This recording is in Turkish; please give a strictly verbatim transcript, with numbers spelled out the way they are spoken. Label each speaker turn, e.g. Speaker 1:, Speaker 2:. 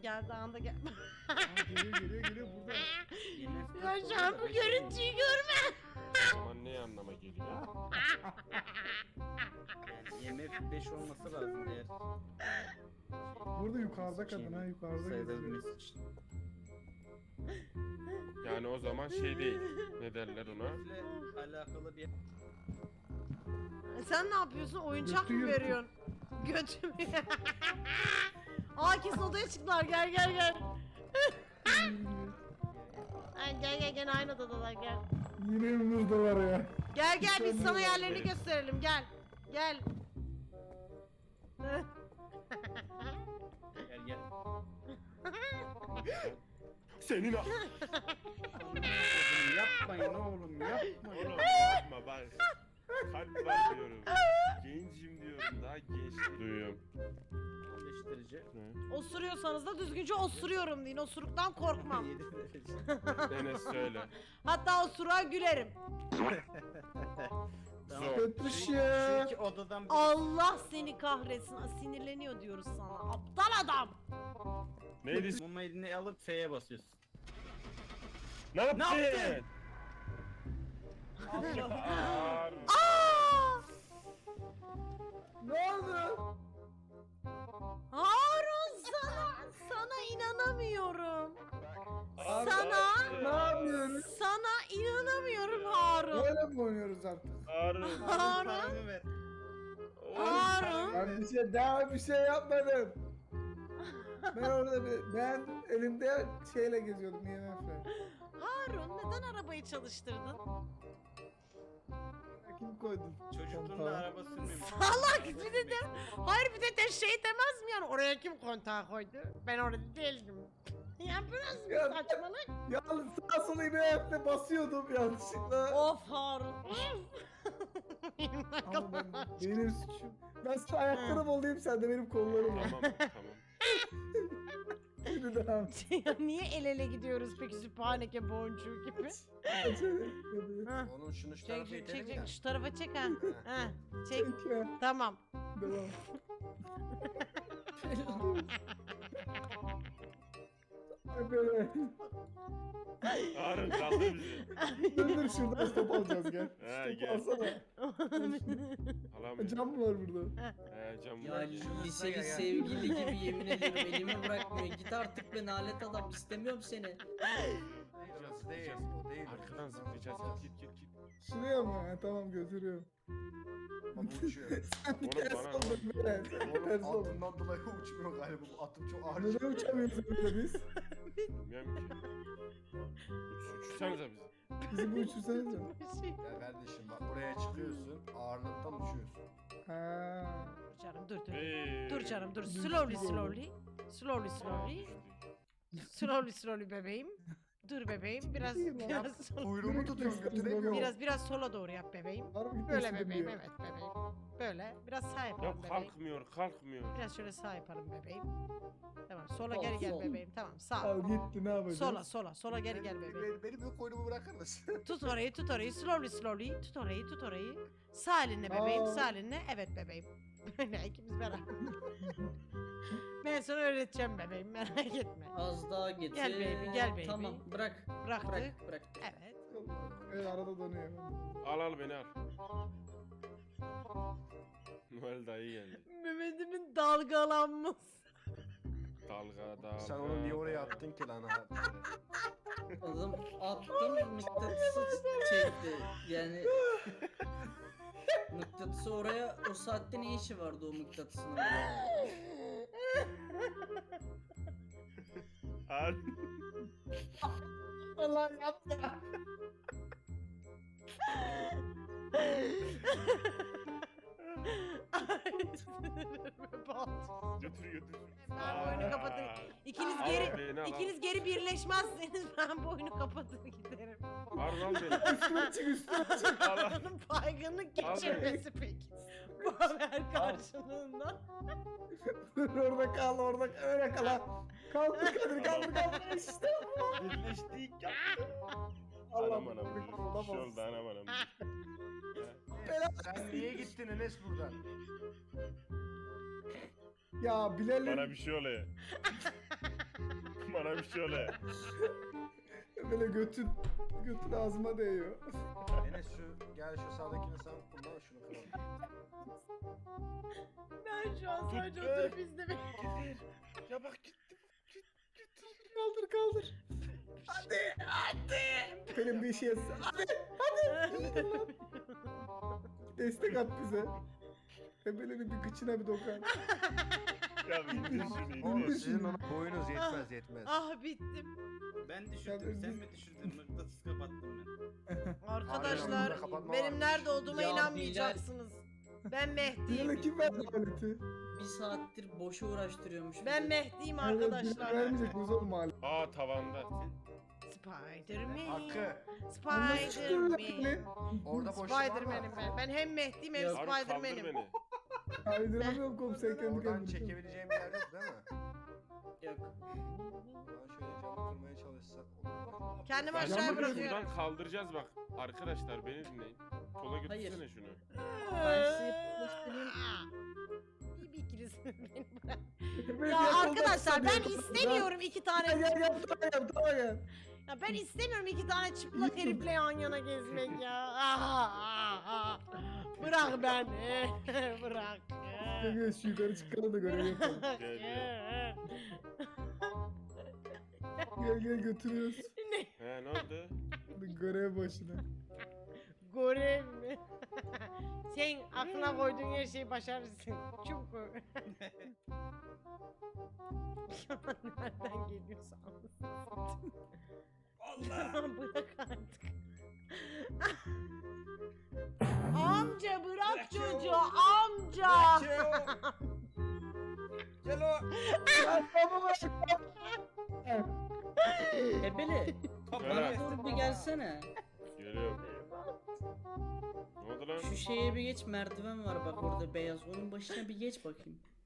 Speaker 1: geldi anda gel.
Speaker 2: Geliyor geliyor geliyor burada.
Speaker 1: Ya şu an bu görüntüyü görme.
Speaker 3: O zaman ne anlama geliyor?
Speaker 4: Yani I M F beş olması lazım eğer.
Speaker 2: Burada yukarıda kadın ha yukarıda geziyor.
Speaker 4: Sayılabilmesi için.
Speaker 3: Yani o zaman şey değil. Ne derler ona?
Speaker 4: Ile alakalı bir
Speaker 1: Sen ne yapıyorsun? Oyuncak
Speaker 2: Götü
Speaker 1: mı
Speaker 2: yırtık.
Speaker 1: veriyorsun? Götümü. Aa kesin odaya çıktılar. Gel gel gel. Ay, gel gel gel aynı odadalar gel.
Speaker 2: Yine önümüzdeler ya.
Speaker 1: Gel gel biz
Speaker 2: Sen
Speaker 1: sana
Speaker 2: de-
Speaker 1: yerlerini gösterelim gel. Gel.
Speaker 4: gel gel.
Speaker 3: Senin a-
Speaker 4: Oğlum yapmayın oğlum yapmayın.
Speaker 3: Oğlum yapma bak. Kalp var diyorum. Gencim diyorum. Daha genç duyuyorum.
Speaker 4: on beş derece.
Speaker 3: Ne?
Speaker 1: Osuruyorsanız da düzgünce osuruyorum deyin. Osuruktan korkmam.
Speaker 4: yedi derece.
Speaker 3: Enes söyle.
Speaker 1: Hatta osuruğa gülerim.
Speaker 3: Zor.
Speaker 2: Kötüş
Speaker 4: Şu
Speaker 2: ya.
Speaker 4: iki odadan bir
Speaker 1: Allah seni kahretsin. Aa, sinirleniyor diyoruz sana. Aptal adam.
Speaker 3: Neydi?
Speaker 4: mumma eline alıp F'ye basıyorsun.
Speaker 3: Ne yaptın?
Speaker 4: Ne yaptın?
Speaker 3: Ağır.
Speaker 1: Aa!
Speaker 2: Ne oldu?
Speaker 1: Harun sana sana inanamıyorum.
Speaker 3: Ağır.
Speaker 1: Sana
Speaker 2: Ne yapıyoruz?
Speaker 1: sana inanamıyorum Harun.
Speaker 2: Böyle mi oynuyoruz artık?
Speaker 3: Ağır.
Speaker 1: Harun.
Speaker 4: Paramı ver.
Speaker 1: Harun.
Speaker 2: Ben bir şey daha bir şey yapmadım. Ben orada bir, ben elimde şeyle geziyordum I M F'le.
Speaker 1: Harun neden arabayı çalıştırdın?
Speaker 2: Kim koydu?
Speaker 4: Çocukluğunda
Speaker 2: Kontağı?
Speaker 4: araba sürmemiş.
Speaker 1: Salak bir de de. Hayır bir de de şey demez mi yani oraya kim kontağı koydu? Ben orada değildim. Ya biraz bir
Speaker 2: Ya-
Speaker 1: saçmalık.
Speaker 2: Yalnız sağa sola I M F'le basıyordum yanlışlıkla.
Speaker 1: Of Harun.
Speaker 2: Ama ben, benim suçum. Ben sana ayaklarım olayım sen de benim kollarım ol.
Speaker 3: Tamam tamam.
Speaker 2: Şimdi devam.
Speaker 1: Ya niye el ele gidiyoruz peki süphaneke boncuğu gibi? Ha.
Speaker 5: Onun şunu
Speaker 1: Çek
Speaker 5: şu tarafa
Speaker 1: çek
Speaker 5: itelim
Speaker 1: çek
Speaker 5: ya.
Speaker 1: çek şu tarafa çek ha. Ha. Çek.
Speaker 2: Peki.
Speaker 1: Tamam.
Speaker 2: Devam. Ay böyle.
Speaker 3: Ağır kaldı bizi.
Speaker 2: Dur dur şuradan stop alacağız gel.
Speaker 3: He,
Speaker 2: Stop
Speaker 3: gel.
Speaker 2: alsana.
Speaker 3: Alamıyorum.
Speaker 2: Cam mı var burada?
Speaker 3: He cam
Speaker 6: Ya
Speaker 3: var.
Speaker 6: liseli sevgili gibi yemin ediyorum elimi bırakmıyor. Git artık be nalet adam istemiyorum seni.
Speaker 5: Orası değil. O değil.
Speaker 3: Arkadan zıplayacağız. Git git git.
Speaker 2: Şuraya mı? Ha, tamam götürüyorum.
Speaker 5: Baba uçuyor.
Speaker 3: Oğlum
Speaker 2: Ters
Speaker 3: bana
Speaker 2: oldum böyle. Ters
Speaker 5: Oğlum
Speaker 2: oldum.
Speaker 5: altından dolayı uçmuyor galiba. Bu atım çok ağır.
Speaker 2: Neden uçamıyoruz öyle biz?
Speaker 3: bilmiyorum ki. Uç, uçsanıza bizi.
Speaker 2: Bizi bu uçursanız mı?
Speaker 1: Bir şey.
Speaker 5: Ya kardeşim bak buraya çıkıyorsun. Ağırlıktan uçuyorsun.
Speaker 2: Ha.
Speaker 1: Dur canım dur dur.
Speaker 3: Hey.
Speaker 1: Dur canım dur.
Speaker 2: Düştü
Speaker 1: Slowly
Speaker 2: böyle.
Speaker 1: slowly. Slowly slowly. Slowly slowly bebeğim. Dur bebeğim. Biraz
Speaker 2: Değil mi?
Speaker 1: biraz sola,
Speaker 5: Kuyruğumu tutuyorum götüremiyorum.
Speaker 1: biraz biraz sola doğru yap bebeğim.
Speaker 2: Var mı gitmek
Speaker 1: Böyle
Speaker 2: istedim
Speaker 1: bebeğim
Speaker 2: diyor.
Speaker 1: evet bebeğim. Böyle biraz sağ yapalım
Speaker 3: Yok
Speaker 1: bebeğim.
Speaker 3: kalkmıyor kalkmıyor.
Speaker 1: Biraz şöyle sağ yapalım bebeğim. Tamam sola
Speaker 6: Sol,
Speaker 1: geri gel
Speaker 6: sol.
Speaker 1: bebeğim. Tamam sağ.
Speaker 2: Al gitti ne yapacağız?
Speaker 1: Sola sola sola geri gel bebeğim.
Speaker 5: Benim, benim yok kuyruğumu bırakır mısın?
Speaker 1: Tut orayı tut orayı slowly slowly tut orayı tut orayı. Sağ elinle bebeğim
Speaker 2: Aa.
Speaker 1: sağ elinle. Evet bebeğim. Böyle ikimiz beraber. Ben sana öğreteceğim bebeğim merak etme.
Speaker 6: Az daha getir.
Speaker 1: Gel baby, gel baby.
Speaker 6: Tamam bırak.
Speaker 1: Bıraktık.
Speaker 6: Bırak bırak.
Speaker 1: Evet.
Speaker 2: Evet arada donuyor.
Speaker 3: Al al beni al. Noel dayı geldi.
Speaker 1: Mehmet'imin dalgalanması.
Speaker 3: Dalga dalga.
Speaker 5: Sen onu niye oraya attın ki lan? ha?
Speaker 6: Adam attım mıknatısı çekti. Yani mıknatısı oraya o saatte ne işi vardı o mıknatısın oraya?
Speaker 3: Al.
Speaker 2: Allah yapma.
Speaker 3: Götür götür.
Speaker 1: Ben bu oyunu kapatır. İkiniz
Speaker 3: Al
Speaker 1: geri
Speaker 3: beni, al, al.
Speaker 1: ikiniz geri birleşmezseniz ben bu oyunu kapatır giderim.
Speaker 3: Al lan beni.
Speaker 2: Üstüne çık üstüne çık.
Speaker 3: Al al.
Speaker 1: Onun baygınlık geçirmesi peki. Bu haber karşılığında.
Speaker 2: Dur orada kal orada öyle kal. ha. Kaldır Kadir kaldır kaldır işte.
Speaker 3: Birleştik.
Speaker 2: Allah
Speaker 3: Anam anam.
Speaker 2: Allah
Speaker 3: Bir şey oldu anam anam.
Speaker 5: Sen niye gittin Enes buradan?
Speaker 2: Ya Bilal'in
Speaker 3: Bana bir şey oluyor. Bana bir şey oluyor.
Speaker 2: Böyle götün, götün ağzıma değiyor.
Speaker 5: Enes şu gel şu sağdakini sen kullan şunu kıralım.
Speaker 1: Ben şu an sadece
Speaker 3: Tut,
Speaker 1: oturup
Speaker 3: evet.
Speaker 1: izlemek.
Speaker 3: Ya bak gittim.
Speaker 2: Kaldır kaldır. Hadi hadi. Benim bir işe yatsın. Hadi hadi. Destek at bize. Ebelerin bir kıçına bir dokan.
Speaker 3: Ya bir indir şunu
Speaker 5: Oğlum
Speaker 3: indir.
Speaker 5: sizin ona boyunuz yetmez yetmez.
Speaker 1: Ah bittim.
Speaker 4: Ben
Speaker 2: Ya
Speaker 4: düşürdüm.
Speaker 2: ben-
Speaker 4: Sen mi düşürdün? Mıknatıs kapattım ben.
Speaker 1: Arkadaşlar
Speaker 5: Aynen, kapatma
Speaker 1: benim
Speaker 5: varmış.
Speaker 1: nerede olduğuma
Speaker 6: Ya
Speaker 1: inanmayacaksınız. Ben Mehdi'yim.
Speaker 2: Bilal kim verdi aleti?
Speaker 6: Bir saattir boşa uğraştırıyormuş.
Speaker 1: Ben
Speaker 6: bizi.
Speaker 1: Mehdi'yim
Speaker 2: Evet, Bilal
Speaker 1: arkadaşlar.
Speaker 2: vermeyecek miyiz oğlum aleti?
Speaker 3: Aa tavanda.
Speaker 1: Spider-Man.
Speaker 5: Hakkı
Speaker 2: Nasıl çıkıyor lan
Speaker 1: Spider-Man.
Speaker 2: beni?
Speaker 5: orada boşluk var
Speaker 1: Spider-Man'im
Speaker 5: mı?
Speaker 1: ben. Ben hem Mehdi'yim hem
Speaker 6: Yok.
Speaker 3: Harun kaldır
Speaker 1: Spider-Man'im.
Speaker 3: beni.
Speaker 2: Kaydıramıyorum komiser kendi
Speaker 5: Oradan
Speaker 2: kendine.
Speaker 5: çekebileceğim bir yer yok değil mi?
Speaker 6: Yok.
Speaker 5: Ben şöyle camı kırmaya çalışsam olur mu?
Speaker 1: Kendimi
Speaker 3: Ya
Speaker 1: aşağıya
Speaker 3: şimdi
Speaker 1: bırakıyorum.
Speaker 3: şuradan kaldıracağız bak. Arkadaşlar beni dinleyin. Sola götürsene
Speaker 6: Hayır.
Speaker 3: şunu.
Speaker 6: Ben size yaklaştırayım.
Speaker 1: Bir bir ikilisiniz beni bırak.
Speaker 2: Beni
Speaker 1: Ya
Speaker 2: yakalamak
Speaker 1: arkadaşlar ben
Speaker 2: istemiyor.
Speaker 1: istemiyorum iki tane.
Speaker 2: Gel gel gel daha gel daha gel.
Speaker 1: Ya ben istemiyorum iki tane çıplak herifle yan yana gezmek ya. Ah, ah, ah. Bırak beni. Bırak.
Speaker 2: Gel gel şu yukarı çıkalım da görev yapalım.
Speaker 3: Gel, gel.
Speaker 2: Gel gel götürüyoruz.
Speaker 1: Ne?
Speaker 3: He ne oldu?
Speaker 2: Görev başına.
Speaker 1: Görev mi? Sen aklına koyduğun her şeyi başarırsın. Çünkü. Şu an nereden geliyorsa anlasın. Allah. Bırak artık. Amca bırak çocuğu amca.
Speaker 4: Gel o.
Speaker 2: Ya baba
Speaker 6: Ebeli. Bana doğru bir gelsene.
Speaker 3: Geliyorum. Ne oldu lan?
Speaker 6: Şu şeye bir geç, merdiven var bak orada beyaz. Onun başına bir geç bakayım.